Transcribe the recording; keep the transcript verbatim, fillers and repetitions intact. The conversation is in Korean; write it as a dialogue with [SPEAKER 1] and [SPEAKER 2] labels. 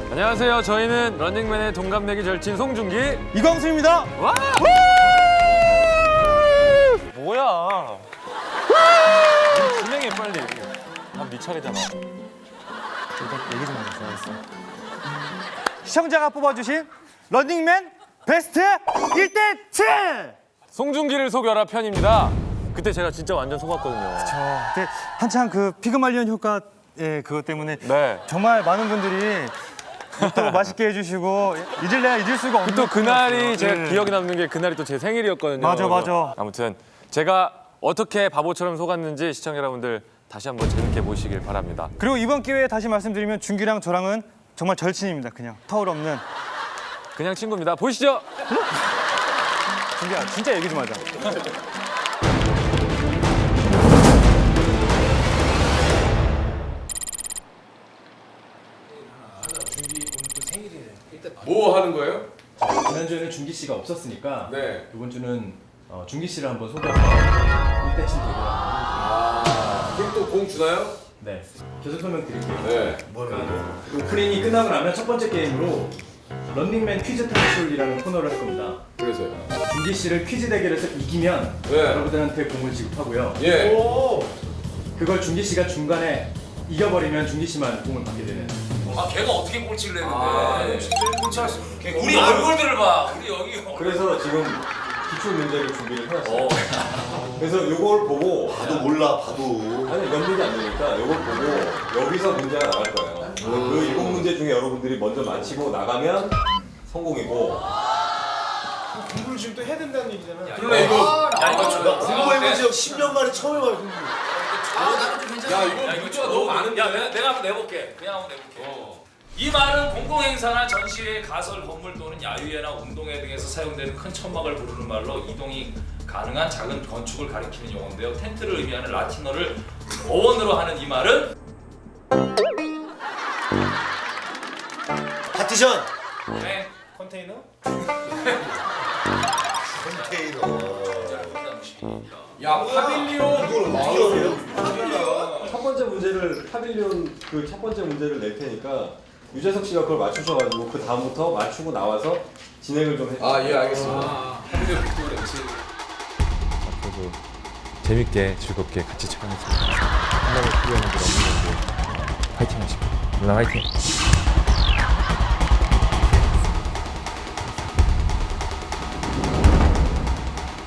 [SPEAKER 1] 안녕하세요. 저희는 런닝맨의 동갑내기 절친 송중기,
[SPEAKER 2] 이광수입니다.
[SPEAKER 1] 와! 뭐야? 진행해 빨리. 난 네 차례잖아.
[SPEAKER 2] 일단 얘기 좀 하자. 알았어. 시청자가 뽑아주신 런닝맨 베스트 일 대 칠!
[SPEAKER 1] 송중기를 속여라 편입니다. 그때 제가 진짜 완전 속았거든요.
[SPEAKER 2] 저 그때 한창 그 피그말리온 효과 예 그것 때문에
[SPEAKER 1] 네.
[SPEAKER 2] 정말 많은 분들이 또 맛있게 해주시고 잊을 내가 잊을 수가 없는
[SPEAKER 1] 또 그날이
[SPEAKER 2] 코너였어요.
[SPEAKER 1] 제가
[SPEAKER 2] 예.
[SPEAKER 1] 기억에 남는 게 그날이 또 제 생일이었거든요.
[SPEAKER 2] 맞아, 맞아.
[SPEAKER 1] 아무튼 제가 어떻게 바보처럼 속았는지 시청자 여러분들 다시 한번 재밌게 보시길 바랍니다.
[SPEAKER 2] 그리고 이번 기회에 다시 말씀드리면 준규랑 저랑은 정말 절친입니다. 그냥 터울 없는.
[SPEAKER 1] 그냥 친구입니다. 보시죠.
[SPEAKER 2] 준규야 진짜 얘기 좀 하자.
[SPEAKER 3] 뭐 하는 거예요?
[SPEAKER 4] 지난주에는 준기 씨가 없었으니까
[SPEAKER 3] 네.
[SPEAKER 4] 이번 주는 어, 준기 씨를 한번 소개해서 일 대 칠 대결을 한번
[SPEAKER 3] 아, 그럼 또 공 주나요?
[SPEAKER 4] 네, 계속 설명드릴게요.
[SPEAKER 3] 네.
[SPEAKER 4] 그 오프닝이 끝나고 나면 첫 번째 게임으로 런닝맨 퀴즈 탈출이라는 코너를 할 겁니다.
[SPEAKER 3] 그래서요.
[SPEAKER 4] 준기 씨를 퀴즈 대결에서 이기면
[SPEAKER 3] 네.
[SPEAKER 4] 여러분들한테 공을 지급하고요.
[SPEAKER 3] 예.
[SPEAKER 4] 그걸 준기 씨가 중간에 이겨버리면 준기 씨만 공을 받게 되는.
[SPEAKER 5] 아 걔가 어떻게 꼴찌를 했는데
[SPEAKER 3] 아, 네.
[SPEAKER 5] 꼴찌할 수 우리 얼굴들을 봐 우리 여기
[SPEAKER 6] 그래서 지금 기출 문제를 준비를 해놨어요. 그래서 요걸 보고
[SPEAKER 7] 봐도 몰라 봐도
[SPEAKER 6] 아니 연결이 안 되니까 요걸 보고 여기서 문제가 나갈 거예요. 그 일곱 문제 중에 여러분들이 먼저 맞히고 나가면 성공이고.
[SPEAKER 7] 공부를 지금 또 해야 된다는 얘기잖아.
[SPEAKER 3] 그러네 이거.
[SPEAKER 5] 야 이거 좀
[SPEAKER 7] 공부해본 지 십 년 만에 처음 해봐요 공부.
[SPEAKER 5] 아 나는 좀 괜찮아
[SPEAKER 3] 야, 이거 문제가 너무 많은데?
[SPEAKER 5] 야 내가, 내가 한번 내볼게 그냥 한번 내볼게 이 말은 공공행사나 전시회, 가설, 건물 또는 야유회나 운동회 등에서 사용되는 큰 천막을 부르는 말로 이동이 가능한 작은 건축을 가리키는 용어인데요. 텐트를 의미하는 라틴어를 어원으로 하는 이 말은
[SPEAKER 7] 파티션.
[SPEAKER 5] 네, 컨테이너?
[SPEAKER 7] 컨테이너.
[SPEAKER 3] 야, 파빌리온.
[SPEAKER 7] 이걸 어떻게 알아요?
[SPEAKER 6] 첫 번째 문제를 파빌리온 그 첫 번째 문제를 낼 테니까 유재석 씨가 그걸 맞추셔가지고 그 다음부터 맞추고 나와서 진행을 좀 해주세요.
[SPEAKER 3] 아, 예, 알겠습니다. 파빌리온 빅토리 엠씨.
[SPEAKER 1] 앞으로도 재밌게 즐겁게 같이 촬영했습니다. 한번에 필요한 분들 없는 건데 화이팅 하시고 누나 화이팅.